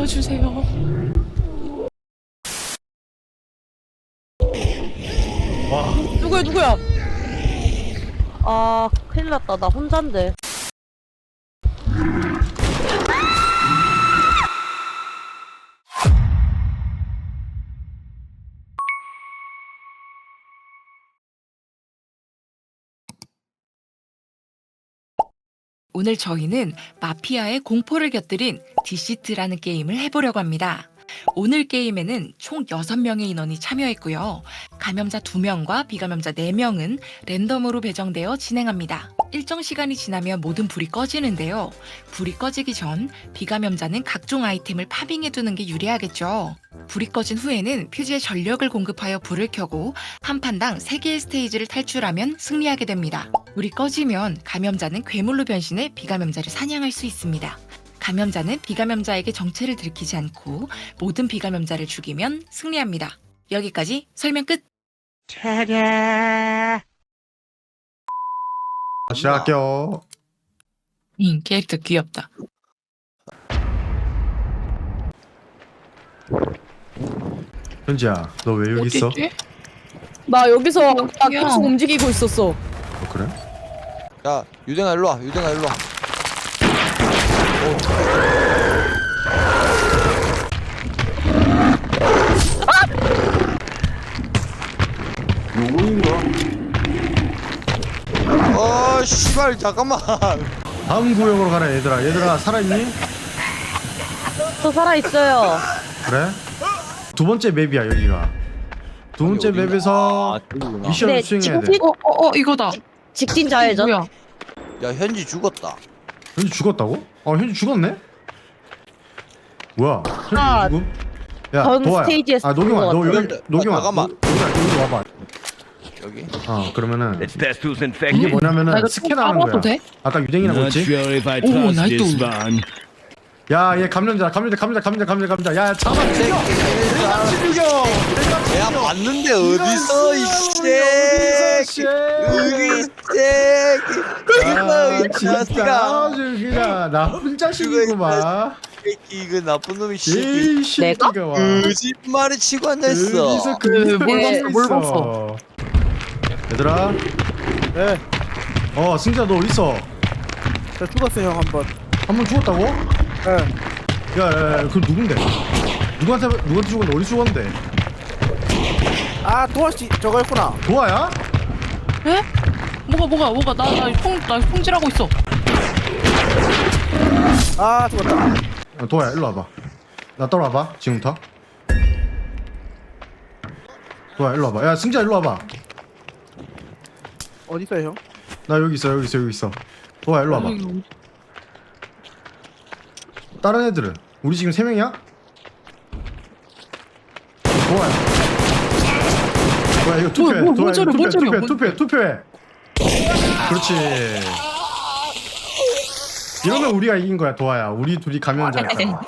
살려주세요. 와. 누구야? 아, 큰일 났다. 나 혼잔데. 오늘 저희는 마피아의 공포를 곁들인 디시트라는 게임을 해보려고 합니다. 오늘 게임에는 총 6명의 인원이 참여했고요. 감염자 2명과 비감염자 4명은 랜덤으로 배정되어 진행합니다. 일정 시간이 지나면 모든 불이 꺼지는데요. 불이 꺼지기 전 비감염자는 각종 아이템을 파밍해두는 게 유리하겠죠. 불이 꺼진 후에는 퓨즈에 전력을 공급하여 불을 켜고 한 판당 3개의 스테이지를 탈출하면 승리하게 됩니다. 불이 꺼지면 감염자는 괴물로 변신해 비감염자를 사냥할 수 있습니다. 감염자는 비감염자에게 정체를 들키지 않고 모든 비감염자를 죽이면 승리합니다. 여기까지 설명 끝! 시작할게요. 캐릭터 귀엽다. 현지야, 너 왜 여기 있어? 어딨지? 나 여기서 나 야. 계속 움직이고 있었어. 그래? 야, 유댕아 일로 와. 유댕아 일로 와. 씨발 잠깐만. 다음 구역으로 가라 얘들아. 얘들아 살아있니? 저 살아있어요. 그래? 두 번째 맵이야 여기가. 두 번째 여기가? 맵에서 저기구나. 미션을 네, 수행해야 돼. 직진? 이거다. 직진 좌회전. 뭐야? 야, 현지 죽었다. 현지 죽었다고? 현지 죽었네? 뭐야? 아, 현지 죽음? 야 전 도아야. 스테이지에서 노경아 너 죽은 것 여기 같아. 노경아. 잠깐만. 노경아 여기 와봐. 여기. 그러면은 Let's test who's 이게 infected. 나 뭐냐면은 이거 스캔하는 까봐도 거야. 돼? 아까 유댕이라고 Not 했지? sure if I Oh, trust 나이도. this one. 야 얘 감염자. 야 잡아 죽여. 같이 죽여. 야, 봤는데 어디서 이 씨. 우리 아 새끼. 진짜 자식아. 아주 그냥 나쁜 자식이구만. 새끼 이거 나쁜 놈이 새끼. 제일 새끼가 와. 거짓말을 치고 앉아있어. 여기서 뭘 봤어? 얘들아. 네, 승자 너 어디 있어? 저 죽었어요 형 한번. 한 번 죽었다고? 네. 야, 그 누군데? 누구한테 죽었는데 어디 죽었는데? 아 도아씨 저거였구나. 도아야? 에? 뭐가? 나 통질하고 있어. 아 죽었다. 도아야 일로 와봐. 나 따라와봐 지금부터. 도아야 일로 와봐. 야 승자 일로 와봐. 어디 있어요 형? 나 여기 있어. 도아 일로 와봐. 다른 애들은? 우리 지금 3명이야? 도아야. 도아 이거 투표해. 뭔 도아 소리야, 뭔 소리야, 투표해. 그렇지. 이러면 우리가 이긴 거야 도아야. 우리 둘이 감염자야.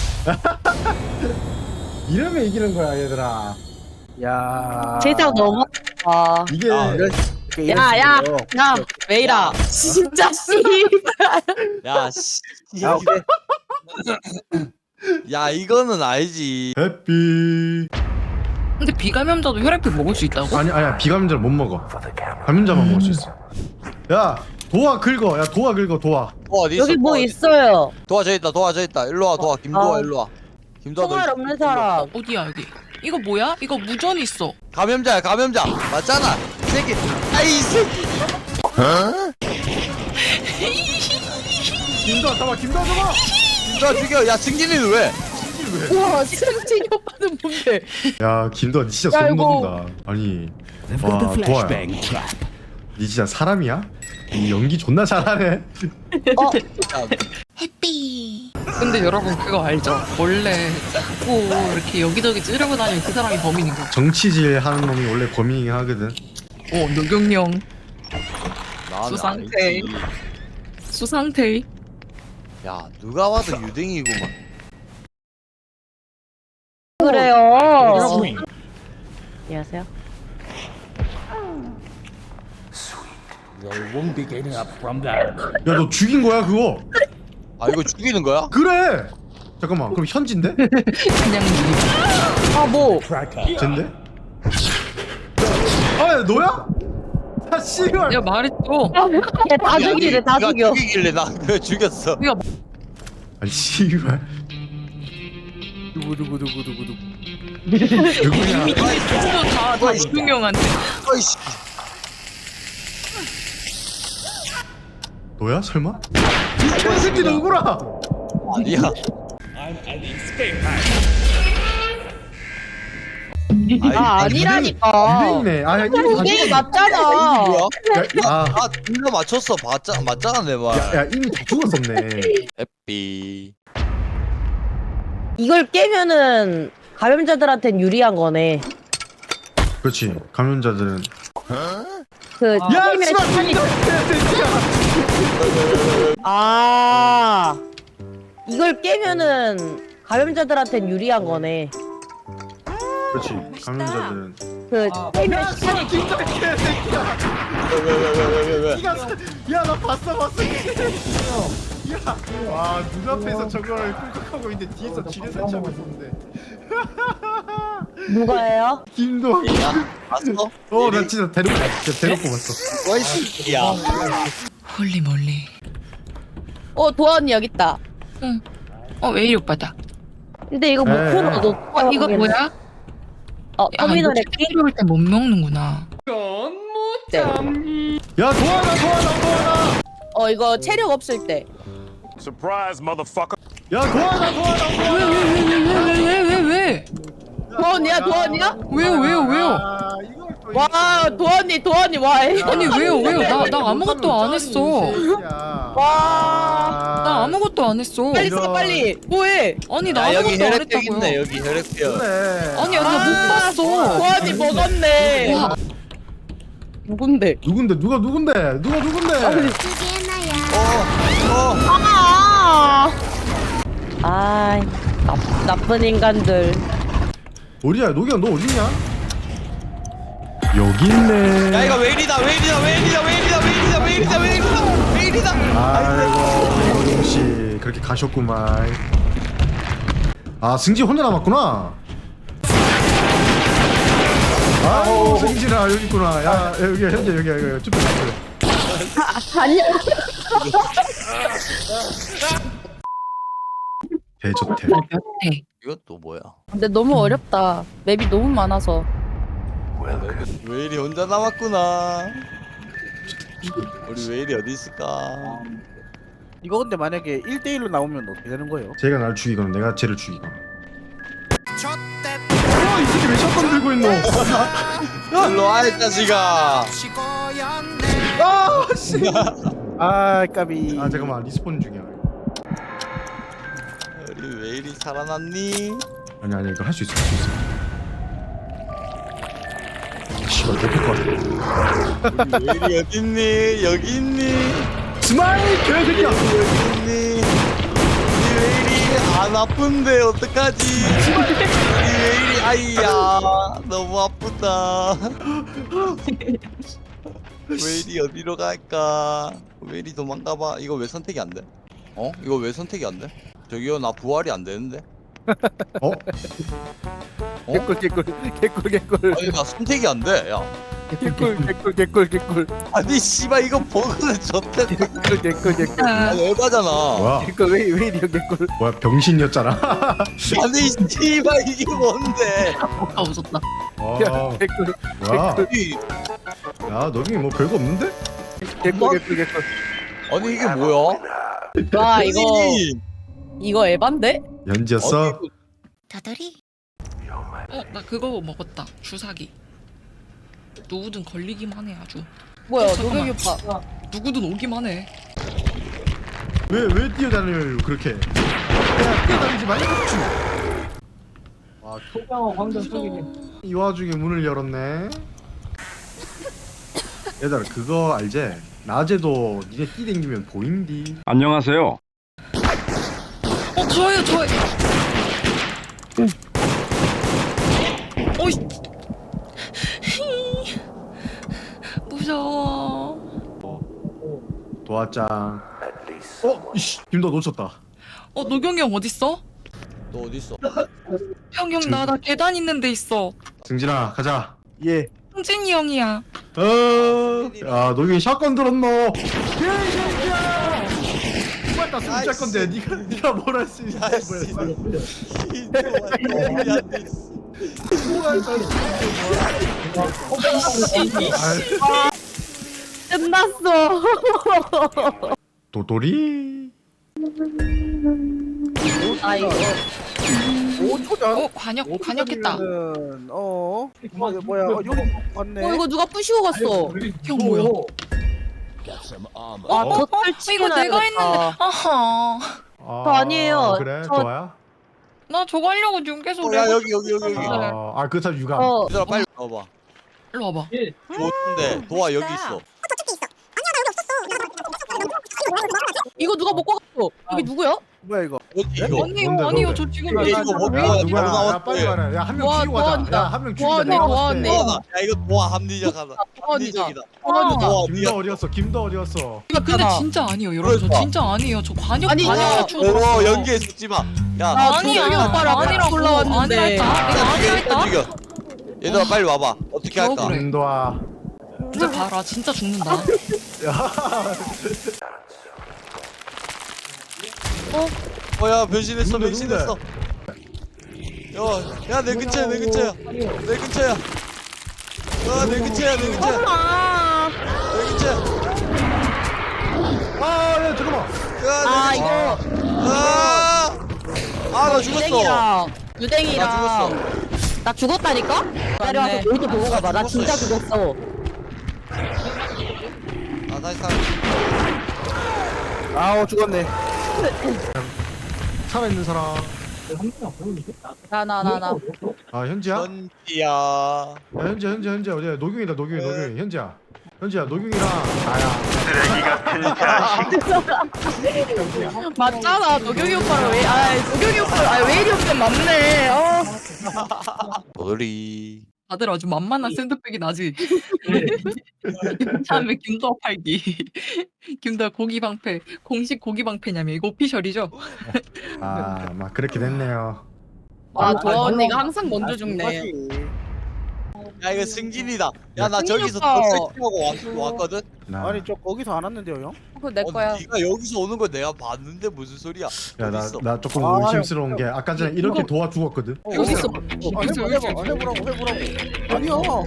이러면 이기는 거야 얘들아. 야. 제작 너무. 아. 이게 야, 메이라. 진짜 씨. 야, 씨. 아 오케이. 야, 이거는 알지. 해피. 근데 비감염자도 혈액표 먹을 수 있다고? 아니야 비감염자를 못 먹어. 감염자만 먹을 수 있어. 야 도아 긁어. 도아. 어디 있어? 여기 뭐 도아 어디 있어요? 도아 저 있다. 일로 와, 도아. 김도아 아. 일로 와. 김도아 총알 너 없는 사람. 어디야 여기? 이거 뭐야? 이거 무전 있어. 감염자 맞잖아. 이 새끼. 아이 새끼. 김도아 잡아. 김도아 죽여. 야, 승진이는 왜? 우와, 승진이 오빠는 뭔데? 야 김도아 니 진짜 야, 소름 이거- 돋는다. 아니 They've got the 와 도아야. flashbang trap. 니 진짜 사람이야? 이 연기 존나 잘하네. 해피. 근데 여러분 그거 알죠? 원래 자꾸 이렇게 여기저기 찌르고 다니는 그 사람이 범인인 거. 정치질 하는 놈이 원래 범인이긴 하거든. 노경영 나는 수상태. 알지. 수상태. 야, 누가 와도 유댕이구만. 그래요. 여러분 안녕하세요. They won't be getting up from that. 야 너 죽인 거야 그거? 아, 이거 죽이는 거야? 그래. 잠깐만 그럼 현진데? 그냥 아 뭐? 젠데? 아 너야? 아 씨발. 내가 말했어. 다 죽이래 다 네가 죽여. 죽이길래 나 그걸 죽였어. 아니 씨발. 누구. 누구냐? 다 이중형한테. 어이씨. 너야 설마? 이 개새끼 누구라? 아니야. 아 아니라니까. 유대인이네. 아 이미 다 유대인 죽었어. 맞잖아. 뭐야? 아, 아, 둘다 맞췄어. 맞잖아 내 말. 야 이미 다 죽었었네. 해피. 이걸 깨면은 감염자들한텐 유리한 거네. 그렇지. 감염자들은. 그 야 깨면 씨발 시간이 개새끼야. 아 이걸 깨면은 감염자들한텐 유리한 거네. 그렇지. 감염자들은. 그 깨면 야 시간이 진짜 개새끼야. 왜? 야나 봤어. 와 눈앞에서 저걸 꿀꺽하고 있는데 뒤에서 지뢰 설치하고 있었는데. 누가예요? 김도. 야, 봤어? 나 진짜 대놓고 봤어. 어이씨. 야. 홀리 몰리. 도아 언니 여기 있다. 응. 웨이리 오빠다. 근데 이거 못 에. 풀어. 너 이거 뭐야? 터미널에 게임 때못 먹는구나. 때. 야 도와라. 이거 체력 없을 때. Surprise, motherfucker. 야 도와라. 왜? 도아 언니야? 도아 언니야? 왜요? 아, 이걸 또 와 도아 언니 와. 아니 왜요? 나 아무것도 안 했어. 와. 나 아무것도 안 했어. 빨리 써 빨리. 뭐해? 아니 나 야, 여기 아무것도 안 혈액표 있네. 했다고요. 여기 혈액표. 그래. 아니 나 못 봤어. 도아 언니 먹었네. 와. 누군데? 누군데? 누군데? 아 나쁜 인간들. 어디야? 노기야 너 어디냐? 여기 있네. 야, 이거 웨일이다. 아이고 용씨 그렇게 가셨구만. 아 승지 혼자 남았구나. 아이고 승진아 여기 있구나. 야 여기 현재 여기 쭈뼛. 아니야. 대저태. 네. 이건 또 뭐야? 근데 너무 어렵다. 맵이 너무 많아서. 웨일이 혼자 남았구나. 우리 웨일이 어디 있을까? 이거 근데 만약에 1대1로 나오면 어떻게 되는 거예요? 쟤가 날 죽이거나 내가 쟤를 죽이거나. 이 새끼 왜 샷건 들고 있노? 일로 와, 이 자식아. 아 씨. 아 까비. 아 잠깐만 리스폰 중이야. 우리 웨일이 살아났니? 아니 이거 할 수 있어. 씨발 내릴 것 같아. 우리 웨일이 어딨니? 여기 있니? 스마일 개새끼야. 여기 있니? 우리 웨일이 안 아픈데 어떡하지? 우리 웨일이 아이야 너무 아프다. 웨일이 어디로 갈까? 웨일이 도망가봐. 이거 왜 선택이 안 돼? 이거 왜 선택이 안 돼? 저기요 나 부활이 안 되는데? 어? 개꿀. 아니 나 선택이 안 돼. 야. 개꿀. 아니 씨발 이거 버그는 졌대. 개꿀. 아니 에바잖아. 뭐야? 왜 이리요 개꿀? 뭐야 병신이었잖아. 아니 씨발 이게 뭔데? 웃었다. 와 개꿀. 뭐야? 이- 야 너기 뭐 별거 없는데? 개꿀. 아니 이게 뭐야? 와 아니, 이거 에반데? 연지였어? 나 그거 먹었다. 주사기. 누구든 걸리기만 해 아주. 뭐야 잠깐만. 노경이 오빠. 누구든 오기만 해. 왜 뛰어다녀요 그렇게? 야 뛰어다니지 말고 춤. 아 초병어 광전 속이네. 이 와중에 문을 열었네. 얘들아 그거 알지? 낮에도 니네 뛰댕기면 보인디. 안녕하세요. 저요. 어이. 무서워. 도화짱. 이씨 김도 놓쳤다. 노경이 형 어딨어? 너 어디 있어? 형 나 계단 있는 데 있어. 승진아 가자. 예. 홍진이 형이야. 야 노경이 샷건 들었노. 개새끼야. 맞다 숨잘 건데 네가 뭘 할 수 있어? 아이씨. 끝났어. 도돌이. 아 이거 5초전. 관역했다. 뭐야? 여기 맞네. 이거 누가 부시고 갔어. 형 뭐야? 아 덧을 이거 내가 했는데. 아하. 저 아니에요. 그래 저- 좋아야. 나 저거 하려고 지금 계속 야 레고 여기. 아그 사람 유감. 어 얘들아 빨리 와봐. 일로 와봐. 좋은데 도와 여기 있어. 이거 누가 먹고 갔어? 여기 누구야? 뭐야 이거? 어디 이거? 아니요 뭔데, 아니요 뭔데? 저 지금 이거 이거 뭐- 왜? 뭐- 누구야? 바로 야 나왔대. 빨리 말해. 야한 명 도와- 죽이고 가자. 도와준다. 야한 명 죽이자. 도와줘, 내가 도와줘. 봤을 때. 도와나. 야 이거 도와 합리적하다. 합리적이다. 도와 김도 어디였어? 김도 어디였어? 근데 진짜 아니에요 여러분. 저 그러니까. 진짜 아니에요. 저 관역 아니, 관역에서 죽었어. 오 연기에 죽지 마. 야 아니야. 오빠랑 아니라고. 올라왔는데. 아니랄까? 내가 아니랄까? 죽여. 얘들아 빨리 와봐. 어떻게 할까? 그래. 김도아. 진짜 봐라. 진짜 죽는다. 어야 변신했어 누군데, 변신했어. 야내 근처야 내 근처야 내 근처야. 야내 근처야 내 근처야 아, 내 근처야. 아야 잠깐만. 아 이거 아나 죽었어. 유댕이랑 나 유댕이랑 나 죽었다니까? 내려와서 모두 보고 가봐. 나 진짜 죽었어. 아 다시 살. 아우 죽었네. 살아있는 사람. 나. 아 현지야? 야 전지야. 현지 어디야? 노경이다 노경이 현지야. 현지야 노경이랑 나야. 맞잖아. 노경이 오빠랑 왜? 노경이 오빠. 왜 이리 오빠 맞네. 도돌이. 다들 아주 만만한 샌드백이 나지. 다음에 김도아 팔기. 김도아 고기 방패. 공식 고기 방패냐면 이거 오피셜이죠? 아막 그렇게 됐네요. 도아 언니가 항상 먼저 죽네. 야 이거 승진이다. 야 나 승진이 저기서 오빠. 더 세팅하고 왔거든. 나. 아니 저 거기서 안 왔는데요 형? 그거 내 거야. 네가 여기서 오는 거 내가 봤는데 무슨 소리야? 야 어디 있어? 나 조금 아, 의심스러운 게 아까 전에 이렇게 도와 죽었거든. 여기 있어. 해보라고. 아니요.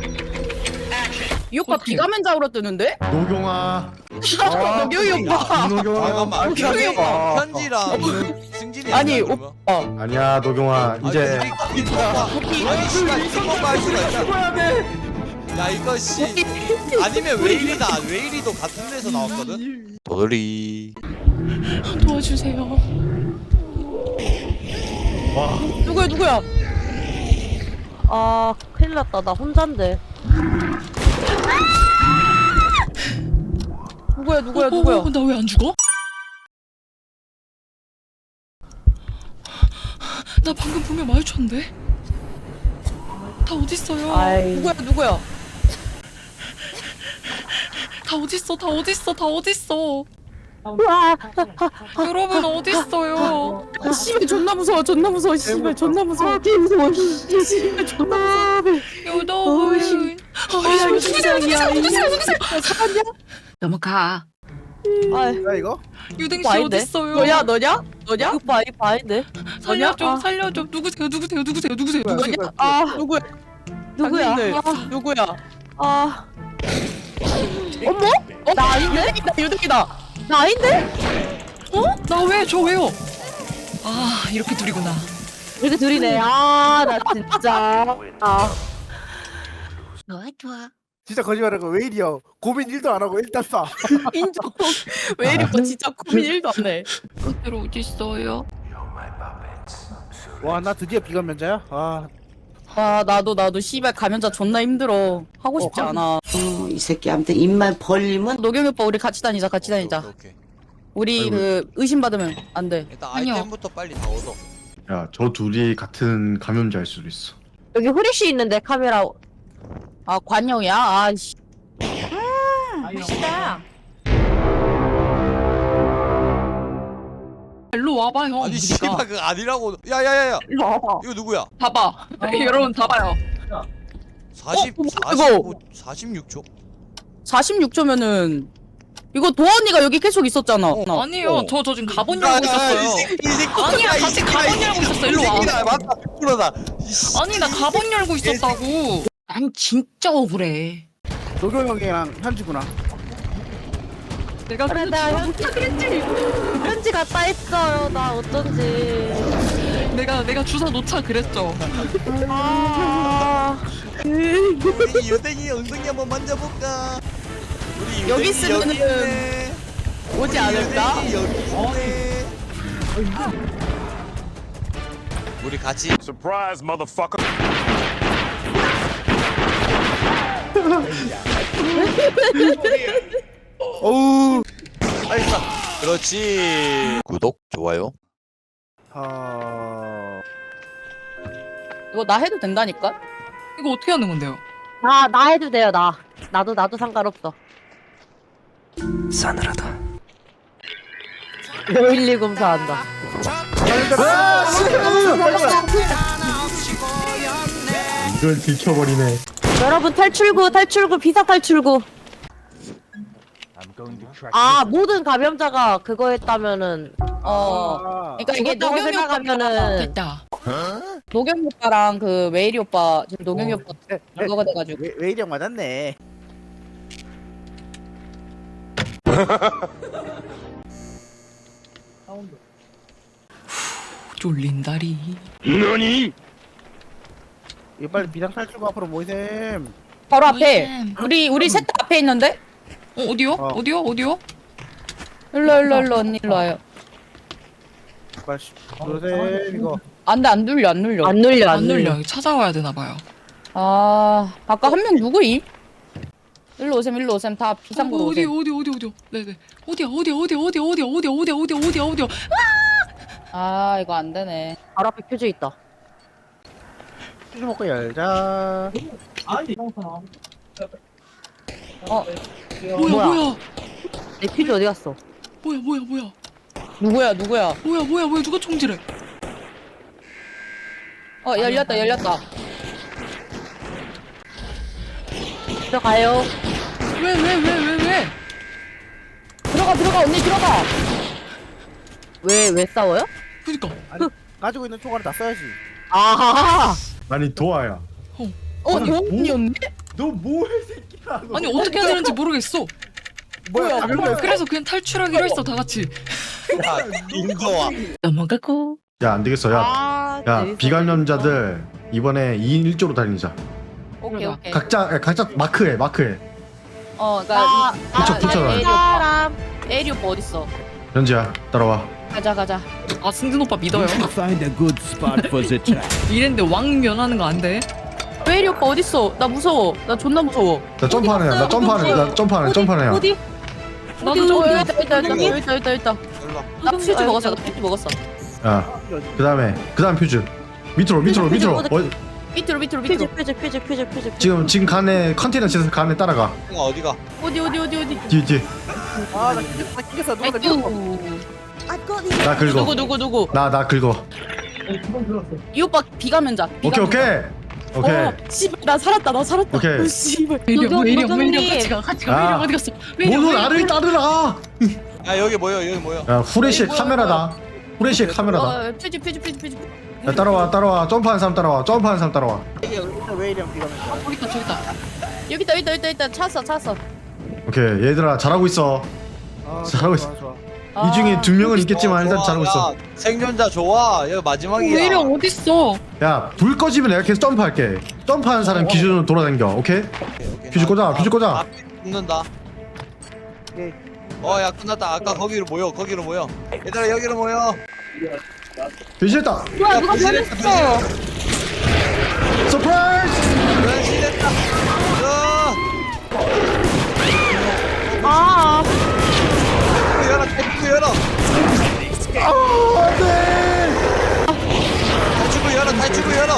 이 오빠 비가면자으로 뜨는데? 노경아. 노경이 오빠. 김노경아. 잠깐만. 노경이 오빠. 현지랑 승진이 아니, 아니야, 그러면? 아니야 노경아 이제 아니 씨발 이거 할 수가 있어. 야 이거 씨 아니면 웨일이도 같은 데서 나왔거든. 도돌이. 도와주세요. 와 누구야? 아 큰일 났다. 나 혼잔데. 누구야? 나 왜 안 죽어? 나 방금 분명 마주쳤는데? 다 어딨어요? 아이. 누구야? 다 어딨어? 와, 여러분 어딨어요? 씨발 존나 무서워. 씨발 존나 무서워. 씨발 존나 무서워. 여러분. 누구세요? 넘어가. 야 이거? 유댕 씨 오빠 아닌데? 어딨어요? 너냐? 오빠 아닌데? 살려줘. 누구세요? 누구야? 누구야? 아. 어머? 나 아닌데? 유득이다. 나 아닌데? 나 왜? 저 왜요? 아 이렇게 둘이구나. 이렇게 둘이네. 나 진짜. 좋아. 진짜 거짓말하고 왜 이리요? 고민 1도 안 하고 일단 쏴. 인정. 왜 이리 진짜 고민 1도 안 해. 그대로 어딨어요? 와 나 드디어 비감면자야? 아 나도 씨발 감염자 존나 힘들어. 하고 싶지 않아. 이 새끼한테 입만 벌리면 노경이 오빠 우리 같이 다니자. 오케이. 우리 그 의심 받으면 안 돼. 일단 아니요. 아이템부터 빨리 다 얻어. 야 저 둘이 같은 감염자일 수도 있어. 여기 후레쉬 있는데 카메라. 관영이야. 아씨. 멋있다. 일로 와봐 형. 아니 그러니까. 씨발 그거 아니라고. 야야야야. 일로 와봐. 이거 누구야? 봐봐. 여러분 봐봐요. 46초? 46초면은 이거 도원이가 여기 계속 있었잖아. 아니요. 저 지금 가본 열고 있었어요. 아니야, 같이 가본 열고 있었어. 일로 와. 맞다. 100%다. 아니 나 가본 열고 있었다고. 난 진짜 억울해. 노경 형이랑 현지구나. 내가 그래 내가 현지 갔다 했어요. 나 어쩐지. 내가 주사 놓자 그랬죠. 아 우리 유댕이 엉덩이 한번 만져볼까? 우리 여기 유댕이 있으면은 여기 있네. 오지 않을까? 유댕이 여기 있네. 우리 같이 Surprise, motherfucker. 어우. 알겠어. 그렇지. 구독, 좋아요. 이거 나 해도 된다니까? 이거 어떻게 하는 건데요? 나 해도 돼요 나. 나도 상관없어. 싸늘하다. 512 검사한다. 이걸 들켜버리네. 여러분 탈출구 비상 탈출구. 모든 감염자가 그거 했다면은 그러니까 이게 죽었다고 노경이 오빠랑 생각하면은 됐다. 노경이 오빠랑 그 웨일이 오빠 지금 노경이 오빠 그거가 돼가지고 왜 이령 맞았네. 쫄린다리. 너니? 이거 빨리 비상 탈출구 앞으로 모이셈. 바로 앞에 우리 셋 다 앞에 있는데? 어디요? 어디요? 일로 언니 일로 와요. 빨리 모이셈 이거. 안돼 안 눌려. 안 눌려 안 눌려. 찾아와야 되나 봐요. 아 아까 한 명 누구임? 일로 오셈 다 비상구로 어디? 오셈. 네네. 어디야? 아 이거 안 되네. 바로 앞에 표지 있다. 퓨즈 먹고 열자. 뭐야? 내 표지 어디 갔어? 뭐야? 누구야? 뭐야? 누가 총질해? 열렸다. 들어가요. 왜? 들어가 언니 들어가. 왜 싸워요? 그니까. 아니, 가지고 있는 총알을 다 써야지. 아하하. 아니 도아야. 도원이었네? 너 뭐해 새끼야. 너. 아니 어떻게 해야 되는지 모르겠어. 뭐야? 그래서 그냥 탈출하기로 했어 다 같이. 야, 인도와. 넘어가고. 야 안 되겠어. 야 재밌어. 비감염자들 이번에 2인 1조로 다니자. 오케이. 각자 마크해. 그러니까 붙여라. 사람. 에리 오빠 어딨어? 현지야 따라와. 가자. 아 승진 오빠 믿어요. Find a good spot for the trap. 이랬는데 왕면하는 거 안 돼? 에리 오빠 어딨어? 나 무서워. 나 존나 무서워. 나 점프하는 애야. 나 점프하는 애야. 어디? 나도 좀 여기 있다. 일로 와. 나 퓨즈 먹었어. 야 그다음에 퓨즈. 밑으로. 퓨즈, 퓨즈. 밑으로. 표지. 지금 간에 컨테이너 짓에서 간에 따라가. 형아 어디가? 어디? 뒤. 나 낑겼어. 누가 나 낑겼어. 나 긁어. 누구? 나 긁어. 이 오빠 비감염자. 오케이. 씨발 나 살았다. 오케이. 씨발. 웨일이 노경님. 같이 가. 아. 웨일이 어디 갔어? 모두 나를 따르라. 야 여기 모여. 야 후레쉬의 카메라다. 퓨즈. 야 따라와. 점프하는 사람 따라와. 왜 이령 비가면. 저기 있다. 여기 있다. 찾았어. 오케이 얘들아 잘하고 있어. 잘하고 있어. 좋아. 이 중에 2명은 있겠지만 일단 좋아, 잘하고 있어. 야, 생존자 좋아. 여기 마지막이야. 웨일이 어딨어? 야 불 꺼지면 내가 계속 점프할게. 점프하는 사람 기준으로 돌아다녀. 오케이? 퓨즈 꽂아. 앞에 붙는다. 오케이. 야 끝났다. 아까 거기로 모여. 얘들아 여기로 모여. 변신했다. 뭐야 누가 변신했다, 변했어? 서프라이즈. 변신했다. 아. 탈출구 열어. 탈출구 열어.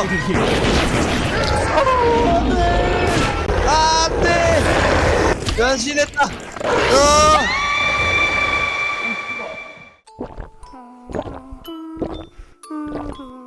안돼. 변신했다. 음.